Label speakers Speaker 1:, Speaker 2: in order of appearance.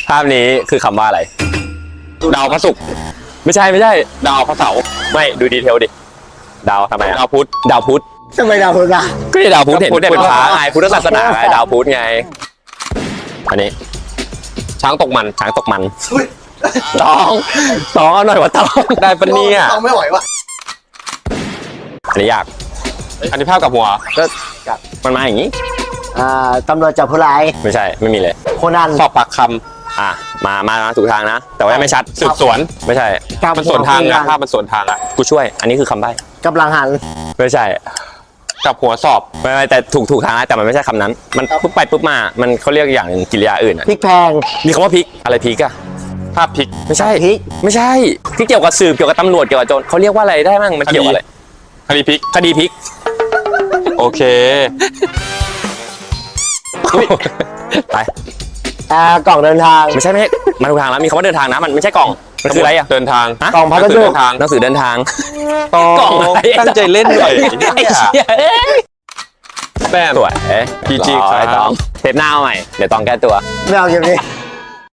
Speaker 1: ภาพนี้คือคำว่าอะไรดาวพระศุกร์ไม่ใช่ดาวพระเสาร์ไม่ดูดีเทลดิดาวทำไมดาวพุธ
Speaker 2: ทำไมดาวพุธอ่ะ
Speaker 1: ก็ที่ดาวพุธเห็นเป็นฟ้าไงพุทธศาสนาไงดาวพุธไงอันนี้ช้างตกมันต้องเอาหน่อยว่าต้องได้ปะเนี่ย
Speaker 2: ต้องไม่ไหววะ
Speaker 1: อันนี้ยากอันนี้ภาพกับหัวก็มันมาอย่างนี้
Speaker 2: ตำรวจจับผู้ร้าย
Speaker 1: ไม่ใช่ไม่มีเลย
Speaker 2: โคนัน
Speaker 1: สอบปากคำมาถูกทางนะ แต่ว่าไม่ชัดสืบสวนไม่ใช่มันสวนทางนะภาพมันสวนทางอ่ะกูช่วยอันนี้คือคำใบ้
Speaker 2: กำลังหัน
Speaker 1: ไม่ใช่กับหัวสอบไม่แต่ถูกทางนะแต่มันไม่ใช่คำนั้นมันปุ๊บไปปุ๊บมามันเขาเรียกอย่างกิริยาอื่น
Speaker 2: พริกแพง
Speaker 1: มีคำว่าพริกอะไรพริกอะภาพพริกไม่ใช่
Speaker 2: พริก
Speaker 1: ไม่ใช่ที่เกี่ยวกับสืบเกี่ยวกับตำรวจเกี่ยวกับโจรเขาเรียกว่าอะไรได้บ้างมันเกี่ยวอะไรคดีพริกโอเคไป
Speaker 2: กล่องเดินทาง
Speaker 1: ไม่ใช่มาถูกทางแล้วมีคำว่าเดินทางนะมันไม่ใช่กล่องมันคืออะไรอะเดินทาง
Speaker 2: กล่องพัสดุ
Speaker 1: หนังสือเดินทาง
Speaker 3: กล่องตั้งใจเล่นหน่อย
Speaker 1: ไอ้เชี่ย
Speaker 3: แป้ม
Speaker 1: สวย
Speaker 3: PG
Speaker 1: รอไอ้ตองเทปหน้าเอาใหม่เดี๋ยวตองแก้ตัว
Speaker 2: ไม่เอาเกมนี้